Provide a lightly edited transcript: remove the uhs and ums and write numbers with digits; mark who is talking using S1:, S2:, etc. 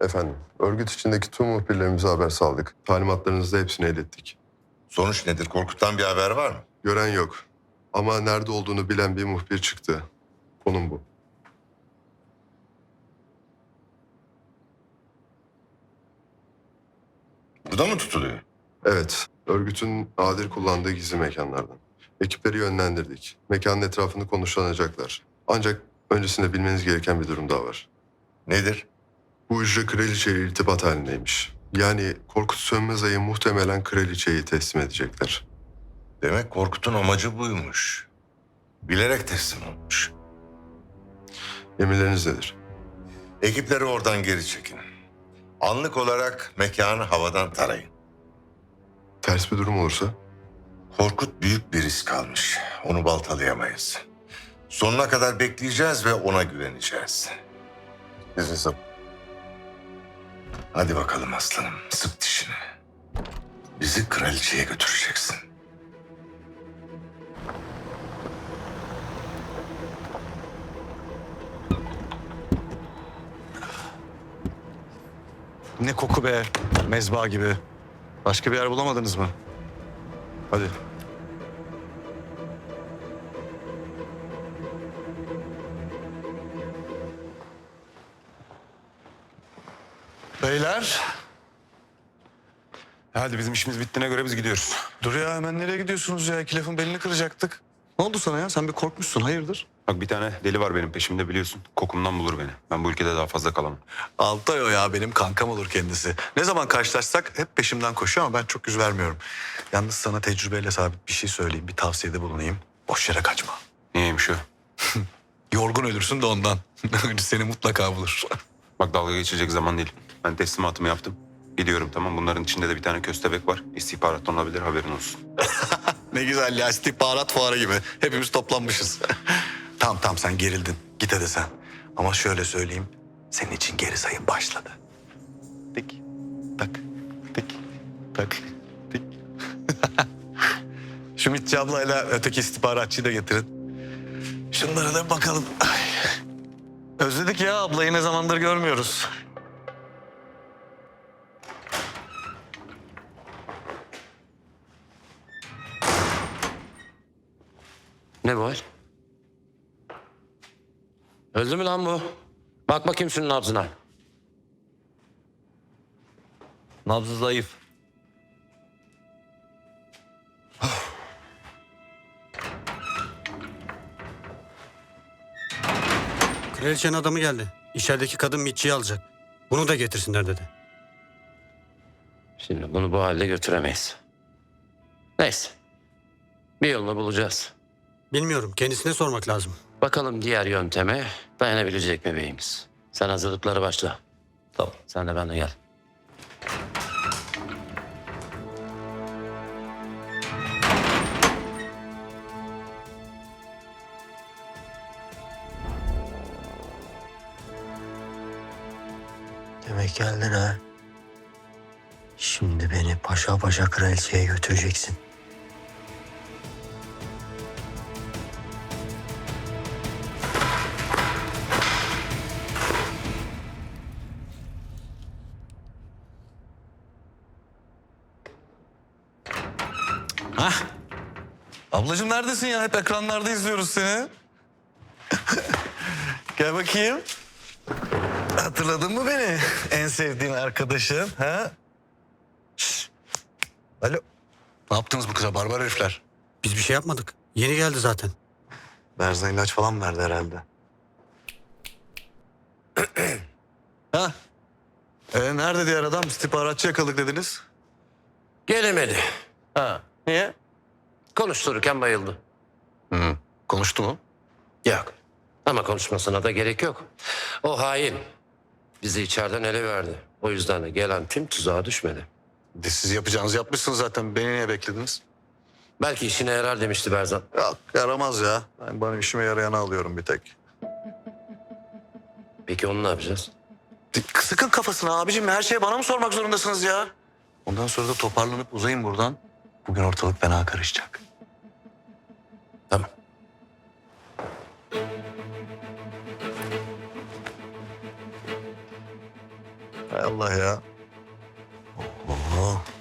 S1: Efendim, örgüt içindeki tüm muhbirlerimize haber saldık. Talimatlarınızı da hepsine ilettik.
S2: Sonuç nedir? Korkut'tan bir haber var mı?
S1: Gören yok. Ama nerede olduğunu bilen bir muhbir çıktı. Konum bu.
S2: Burada mı tutuluyor?
S1: Evet, örgütün nadir kullandığı gizli mekanlardan. Ekipleri yönlendirdik. Mekanın etrafını konuşlanacaklar. Ancak öncesinde bilmeniz gereken bir durum daha var.
S2: Nedir?
S1: Bu hücre kraliçeyle irtibat halindeymiş. Yani Korkut Sönmezay'ı muhtemelen kraliçeyi teslim edecekler.
S2: Demek Korkut'un amacı buymuş. Bilerek teslim olmuş.
S1: Emirleriniz nedir?
S2: Ekipleri oradan geri çekin. Anlık olarak mekanı havadan tarayın.
S1: Ters bir durum olursa?
S2: Korkut büyük bir risk almış. Onu baltalayamayız. Sonuna kadar bekleyeceğiz ve ona güveneceğiz.
S1: İzninizle.
S2: Hadi bakalım aslanım, sık dişini. Bizi kraliçeye götüreceksin.
S3: Ne koku be. Mezba gibi. Başka bir yer bulamadınız mı? Hadi. Beyler. Hadi bizim işimiz bittiğine göre biz gidiyoruz. Dur ya hemen nereye gidiyorsunuz ya? İki lafın belini kıracaktık. Ne oldu sana ya? Sen bir korkmuşsun. Hayırdır?
S4: Bak bir tane deli var benim peşimde biliyorsun. Kokumdan bulur beni. Ben bu ülkede daha fazla kalamam.
S3: Altay o ya benim kankam olur kendisi. Ne zaman karşılaşsak hep peşimden koşuyor ama ben çok yüz vermiyorum. Yalnız sana tecrübeyle sabit bir şey söyleyeyim. Bir tavsiyede bulunayım. Boş yere kaçma.
S4: Niyeymiş o?
S3: Yorgun ölürsün de ondan. Seni mutlaka bulur.
S4: Bak dalga geçecek zaman değil. Ben teslimatımı yaptım. Gidiyorum tamam. Bunların içinde de bir tane köstebek var. İstihbarattan olabilir haberin olsun.
S3: Ne güzel ya istihbarat fuarı gibi. Hepimiz toplanmışız. Tamam sen gerildin. Git hadi sen. Ama şöyle söyleyeyim. Senin için geri sayım başladı. Tik tak tik tak tik. Şu Mitçi ablayla öteki istihbaratçıyı da getirin. Şunlara da bakalım. Ay. Özledik ya ablayı ne zamandır görmüyoruz.
S5: Ne bu hal? Öldü mü lan bu? Bak bakayım şunun nabzına.
S6: Nabzı zayıf.
S7: Kraliçenin adamı geldi. İçerideki kadın Mitçi'yi alacak. Bunu da getirsinler dedi.
S5: Şimdi bunu bu halde götüremeyiz. Neyse. Bir yolunu bulacağız.
S7: Bilmiyorum. Kendisine sormak lazım.
S5: Bakalım diğer yönteme dayanabilecek mi beyimiz? Sen hazırlıklara başla.
S6: Tamam.
S5: Sen de benimle gel.
S8: Demek geldin ha. Şimdi beni paşa paşa kraliçeye götüreceksin.
S3: Ablacığım neredesin ya? Hep ekranlarda izliyoruz seni. Gel bakayım. Hatırladın mı beni? En sevdiğin arkadaşın. Ha? Şşş. Alo. Ne yaptınız bu kıza barbar herifler?
S7: Biz bir şey yapmadık. Yeni geldi zaten.
S3: Berzan ilaç falan verdi herhalde. Ha? Nerede diğer adam? İstihbaratçı yakaladık dediniz.
S5: Gelemedi.
S3: Ha. Niye?
S5: Konuştururken bayıldı.
S3: Konuştu mu?
S5: Yok. Ama konuşmasına da gerek yok. O hain. Bizi içeriden ele verdi. O yüzden de gelen tüm tuzağa düşmedi.
S3: Siz yapacağınızı yapmışsınız zaten. Beni niye beklediniz?
S5: Belki işine yarar demişti Berzan.
S3: Yok yaramaz ya. Ben bana işime yarayanı alıyorum bir tek.
S5: Peki onu ne yapacağız?
S3: Sıkın kafasına abicim. Her şeyi bana mı sormak zorundasınız ya? Ondan sonra da toparlanıp uzayın buradan. Bugün ortalık fena karışacak.
S5: Tamam.
S3: Hay Allah ya.
S8: Oo,